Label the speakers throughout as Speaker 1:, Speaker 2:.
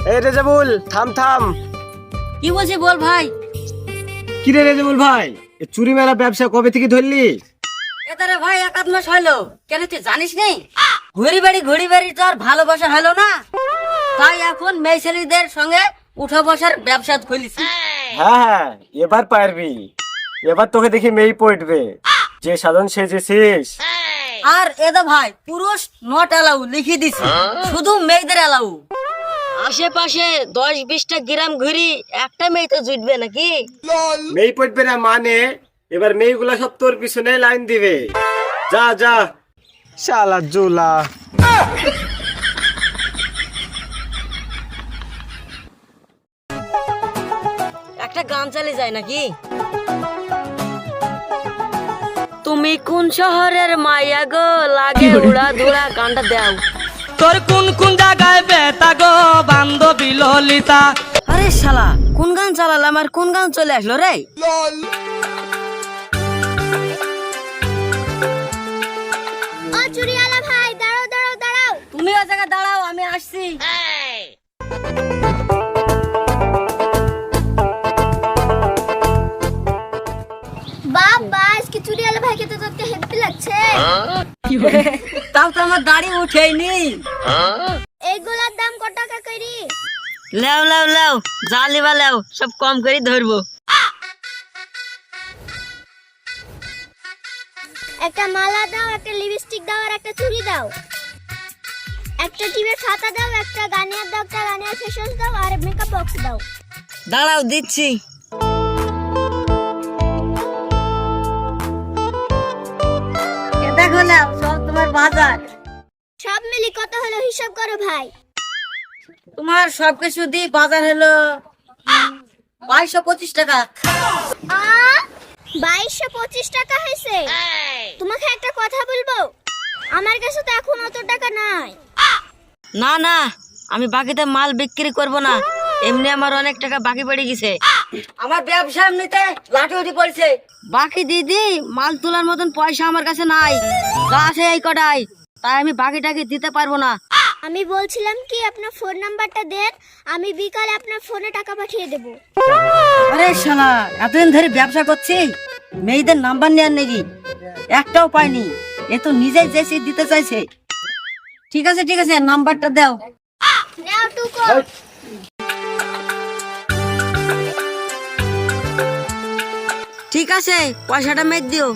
Speaker 1: এই রেজাবুল, থাম থাম।
Speaker 2: কি বলছিস বল ভাই।
Speaker 1: কি রে রেজাবুল ভাই, এই চুরি মেলা ব্যবসা কবে থেকে ধরলি?
Speaker 2: এদারে ভাই 1 মাস হলো। কেন তুই জানিস নেই? ঘুরি বাড়ি তো আর ভালোবাসা হলো না, তাই এখন মেয়ে ছেলেদের সঙ্গে উঠা বসার ব্যবসা খুলেছি।
Speaker 1: হ্যাঁ, এবার পারবি। এবার তোকে দেখি মেয়ে পড়বে, যে সাধন সেজেছিস।
Speaker 2: আর এদা ভাই পুরুষ নট অ্যালাউ লিখে দিছি, শুধু মেয়েদের অ্যালাউ। আশেপাশে 10-20টা গ্রাম ঘুরি, একটা মেয়ে তো জুটবে নাকি?
Speaker 1: মেয়ে পড়বে না মানে এবার মেয়েগুলা সব তোর পিছনে লাইন দিবে। যা যা শালা জুলা।
Speaker 2: একটা গান চালে যায় নাকি? তুমি কোন শহরের মাইয়া গো, লাগে উড়া ধুরা, গানটা দাও।
Speaker 3: তোর কোন কোন জায়গায় বেতা গো বান্ধবী ললিতা।
Speaker 2: আরে শালা, কোন গান চালালাম আর কোন গান চলে আসলো রে?
Speaker 4: ও চুরিওয়ালা ভাই, দাঁড়াও দাঁড়াও দাঁড়াও।
Speaker 2: তুমি ও জায়গায় দাঁড়াও, আমি আসছি।
Speaker 4: বাবা, আজকে চুরিওয়ালা ভাইকে তো দেখতে হেব্বি লাগছে।
Speaker 2: তাও তো আমার দাড়ি উঠেইনি।
Speaker 4: এইগুলার দাম কত টাকা করি?
Speaker 2: লেও লেও লেও, যা লিবা লেও, সব কম করে ধরবো।
Speaker 4: একটা মালা দাও, একটা লিপস্টিক দাও, আর একটা চুড়ি দাও। একটা টিপের খাতা দাও, একটা গানিয়ার দাও, একটা গানিয়ার ফেস দাও, আর মেকআপ বক্স দাও।
Speaker 2: দাঁড়াও দিচ্ছি। দেখো না, সব তোমার বাজার।
Speaker 4: সব মিলি কত হলো হিসাব করো ভাই।
Speaker 2: তোমার সবকিছু দিয়ে বাজার হলো 2225 টাকা।
Speaker 4: 2225 টাকা হয়েছে। তোমাকে একটা কথা বলবো, আমার কাছে তো এখন অত টাকা নাই।
Speaker 2: না না, আমি বাকিতে মাল বিক্রি করব না, এমনি আমার অনেক টাকা বাকি পড়ে গেছে। আমার ব্যবসা এমনিতে লাঠি উঠে পড়ছে। বাকি দিদি, মাল তোলার মতন পয়সা আমার কাছে নাই, যা আছে এই কটাই, তাই আমি বাকিটাকে দিতে পারবো না।
Speaker 4: আমি বলছিলাম কি, আপনার ফোন নাম্বারটা দেন, আমি বিকালে আপনার ফোনে টাকা পাঠিয়ে দেব।
Speaker 2: আরে শালা, এতদিন ধরে ব্যবসা করছি, মেয়েদের নাম্বার নেওয়ার নাকি একটাও পাইনি। এ তো নিজেই চেয়েছি দিতে চাইছে। ঠিক আছে ঠিক আছে, নাম্বারটা দাও।
Speaker 4: নাও টুকো।
Speaker 2: ঠিক আছে, পয়সাটা মেঘ দিও।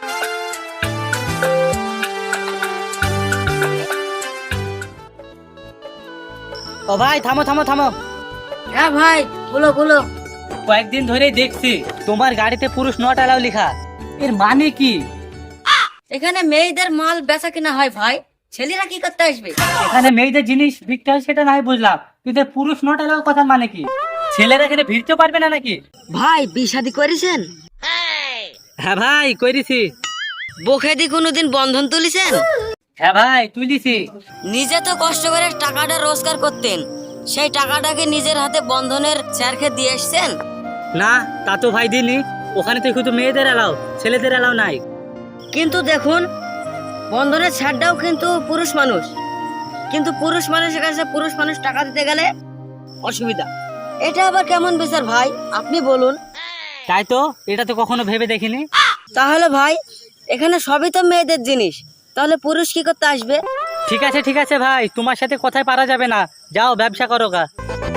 Speaker 3: ও ভাই থামো থামো থামো।
Speaker 2: হ্যাঁ ভাই, বলো বলো।
Speaker 3: কয়েকদিন ধরেই দেখছি তোমার গাড়িতে পুরুষ নট অ্যালাউ লেখা, এর মানে কি?
Speaker 2: এখানে মেয়েদের মাল বেচা কিনা হয় ভাই, ছেলেরা কি করতে আসবে?
Speaker 3: এখানে মেয়েদের জিনিস বিক্রি হয় সেটা নাই বুঝলাম, কিন্তু পুরুষ নট অ্যালাউ কথা মানে কি? ছেলেরা এখানে ভিড়তে পারবে না নাকি?
Speaker 2: ভাই বিয়ে-শাদী করেছেন?
Speaker 3: হ্যাঁ ভাই করেছি।
Speaker 2: বখেদি কোনোদিন বন্ধন তুলিছেন?
Speaker 3: হ্যাঁ ভাই তুলিছি।
Speaker 2: নিজে তো কষ্ট করে টাকাটা রোজগার করতেন, সেই টাকাটাকে নিজের হাতে বন্ধনের চেরখে দিয়ে এসছেন?
Speaker 3: না তা তো ভাই দিনি, ওখানে তো শুধু মেয়েদের অ্যালাউ, ছেলেদের অ্যালাউ নাই।
Speaker 2: কিন্তু দেখুন, বন্ধনের ছাড়টাও কিন্তু পুরুষ মানুষ, কিন্তু পুরুষ মানুষের কাছে পুরুষ মানুষ টাকা দিতে গেলে অসুবিধা। এটা আবার কেমন বিচার ভাই, আপনি বলুন।
Speaker 3: তাই তো, এটা তো কখনো ভেবে দেখিনি।
Speaker 2: তাহলে ভাই, এখানে সবই তো মেয়েদের জিনিস, তাহলে পুরুষ কি করতে আসবে?
Speaker 3: ঠিক আছে ভাই, তোমার সাথে কথায় পারা যাবে না, যাও ব্যবসা করো গা।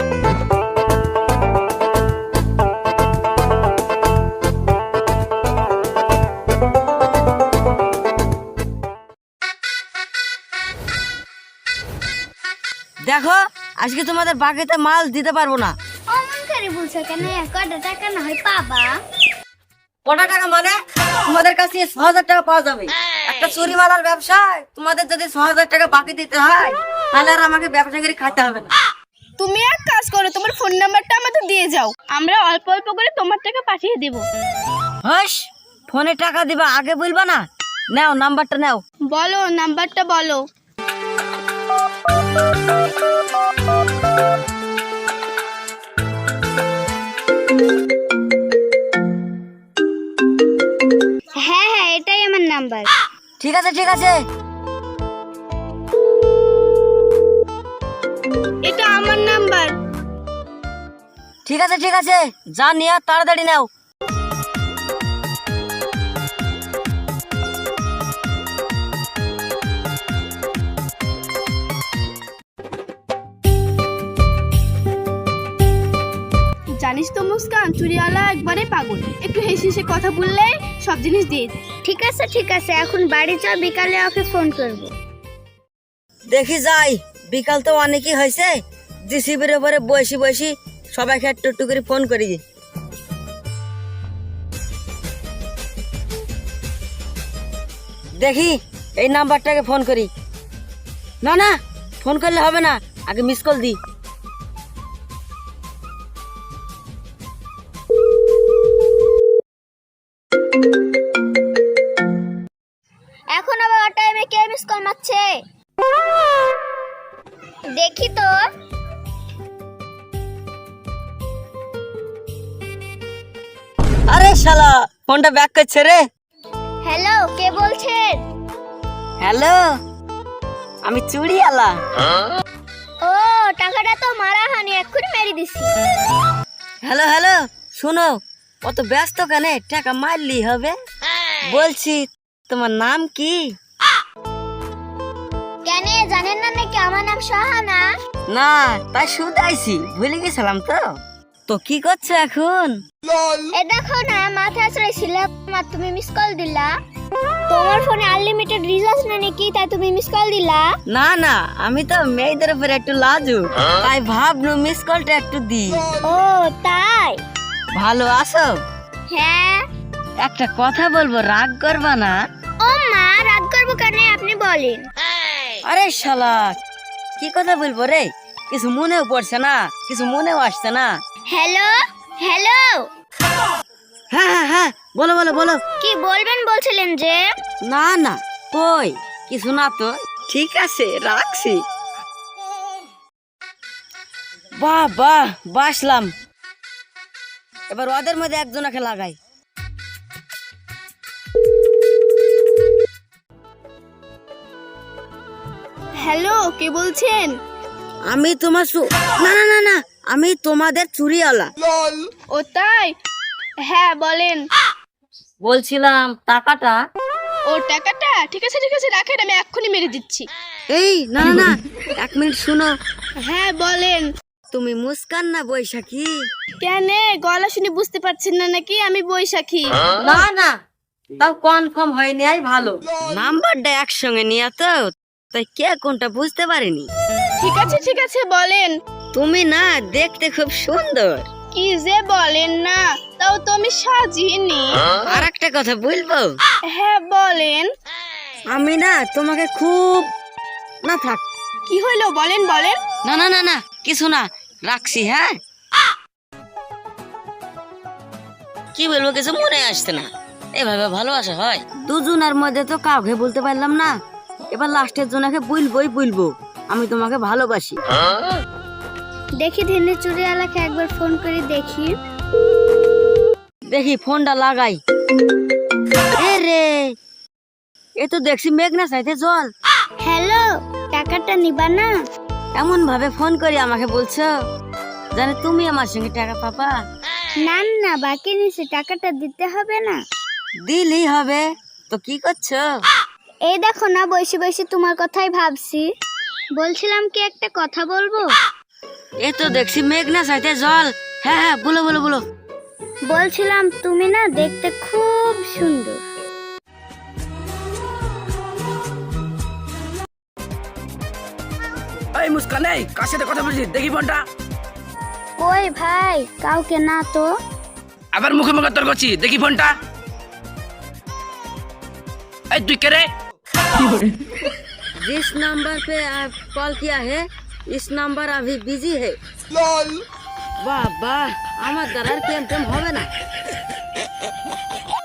Speaker 2: দেখো, আজকে তোমাদের বাকিতে মাল দিতে পারবো না।
Speaker 4: অমন করে বলছো কেন? কত টাকা না হয় পাবা?
Speaker 2: কটা টাকা মানে? তোমাদের কাছে 6,000 টাকা পাওয়া যাবে। একটা চুরি মালার ব্যবসায় তোমাদের যদি 6,000 টাকা বাকি দিতে হয়, তাহলে আর আমাকে ব্যবসা করে খাইতে হবে না।
Speaker 5: তুমি এক কাজ করো, তোমার ফোন নাম্বারটা আমাদের দিয়ে যাও, আমরা অল্প অল্প করে তোমার টাকা পাঠিয়ে দেব।
Speaker 2: হাস, ফোনে টাকা দিবা আগে বলবা না? নাও নাম্বারটা নাও।
Speaker 5: বলো নাম্বারটা বলো।
Speaker 4: হ্যাঁ হ্যাঁ, এটাই আমার নাম্বার।
Speaker 2: ঠিক আছে ঠিক আছে।
Speaker 5: এটা আমার নাম্বার।
Speaker 2: ঠিক আছে যা নিয়ে তাড়াতাড়ি নাও।
Speaker 5: জানিস তো মুস্কান, চুরিওয়ালা একবারে পাগল, একটু হেসে হেসে কথা বললে সব জিনিস দিয়ে দেয়।
Speaker 4: ঠিক আছে এখন বাড়ি চল, বিকালে ওকে ফোন করব।
Speaker 2: দেখি যাই, বিকাল তো অনেকই হয়েছে, জিসিবির উপরে বসি সবাইকে একটু একটু করে ফোন করি। দেখি এই নাম্বারটাকে ফোন করি। না ফোন করলে হবে না, আগে মিস কল দি।
Speaker 4: এখন আবার ও টাইমে কে মিস কল মারছে? দেখি তো।
Speaker 2: আরে শালা, ফোনটা ব্যাক করছে রে।
Speaker 4: হ্যালো, কে বলছেন?
Speaker 2: হ্যালো, আমি চুড়িওয়ালা।
Speaker 4: ও, টাকাটা তো মারা হয়নি, এক্ষুনি মেরে দিছি।
Speaker 2: হ্যালো, শুনো, অত ব্যস্ত কেন? টাকা মারলি হবে। বলছি তোমার নাম কি?
Speaker 4: কেন জানেন না নাকি আমার নাম শাহানা?
Speaker 2: না, তাই শুধাইছি, ভুলে গেছিলাম তো কি করছো এখন?
Speaker 4: এ দেখো না, মাথা ছিলাম আর তুমি মিস কল দিলা। তোমার ফোনে আনলিমিটেড রিচার্জ না নাকি, তাই তুমি মিস কল দিলা?
Speaker 2: না, আমি তো মেয়েদের উপরে একটু লাজু, তাই ভাবনু মিস কলটা একটু দি।
Speaker 4: ও তাই?
Speaker 2: ভালো আছো?
Speaker 4: হ্যাঁ।
Speaker 2: একটা কথা বলবো, রাগ করবা না?
Speaker 4: ও মা, রাগ করবো কেন, আপনি বলেন।
Speaker 2: আরে শালা, কি কথা বলবো রে? কিছু মনেও পড়ছে না, কিছু মনেও আসছে না।
Speaker 4: হ্যালো,
Speaker 2: হ্যাঁ, বলো।
Speaker 4: কি বলবেন বলছিলেন যে?
Speaker 2: না, কই কিছু না তো। ঠিক আছে, রাখছি। বাহ, বাসলাম। এবার ওদের মধ্যে একজনকে লাগাই।
Speaker 5: হ্যালো, কে বলছেন?
Speaker 2: আমি তোমার না, আমি তোমাদের চুরিওয়ালা।
Speaker 5: ও তাই? হ্যাঁ বলেন।
Speaker 2: বলছিলাম টাকাটা।
Speaker 5: ও টাকাটা? ঠিক আছে রাখেন, আমি এক্ষুনি মেরে দিচ্ছি।
Speaker 2: এই না, 1 মিনিট শুনো।
Speaker 5: হ্যাঁ বলেন।
Speaker 2: তুমি মুস্কান না বৈশাখী?
Speaker 5: কেন, গলা শুনে বুঝতে পারছেন না নাকি আমি বৈশাখী?
Speaker 2: না, তাও কনফার্ম হয়নি, আই ভালো। নাম্বারটা একসঙ্গে নিয়ে তো, তাই কে কোনটা বুঝতে পারিনি।
Speaker 5: ঠিক আছে বলেন।
Speaker 2: তুমি না দেখতে খুব সুন্দর।
Speaker 5: কি যে বলেন না, তাও তো আমি সাজিনি।
Speaker 2: আর একটা কথা বলবো?
Speaker 5: হ্যাঁ বলেন।
Speaker 2: আমি না তোমাকে খুব না থাক।
Speaker 5: কি হইলো বলেন?
Speaker 2: না, কিছু না, রাখছি। হ্যাঁ, কি বলবো কিছু মনে আসছে না। এভাবে ভালোবাসা হয়? দুজনের মধ্যে তো কাউকে বলতে পারলাম না, এবার লাস্টের জনকে বলবো আমি তোমাকে ভালোবাসি।
Speaker 4: দেখি দিনে চুরিওয়ালাকে একবার ফোন করে
Speaker 2: দেখি ফোনটা লাগাই। রে, এ তো দেখছি মেঘনা চাইতে জল।
Speaker 4: হ্যালো, টাকাটা নিবা না?
Speaker 2: এমন ভাবে ফোন করি আমাকে বলছো জানে তুমি আমার সঙ্গে টাকা পাবা?
Speaker 4: না, বাকি নিছে, টাকাটা দিতে হবে না?
Speaker 2: দিলেই হবে। তো কি করছো?
Speaker 4: এই দেখো না, বসে তোমার কথাই ভাবছি। বলছিলাম কি একটা কথা বলবো?
Speaker 2: এ তো দেখছি মেঘনা চাইতে জল। হ্যাঁ, বলো।
Speaker 4: বলছিলাম তুমি না দেখতে খুব সুন্দর।
Speaker 6: এই মুস্কান, এই কার সাথে কথা বলছিস? দেখি ফোনটা।
Speaker 4: ওই ভাই, কাউকে না তো।
Speaker 6: আবার মুখে তর্ক করছিস? দেখি ফোনটা। এই তুই কে রে?
Speaker 2: जिस नंबर पे आप कॉल किया है इस नंबर अभी बिजी है। वाह, আমার দ্বারা প্রেম হবে না।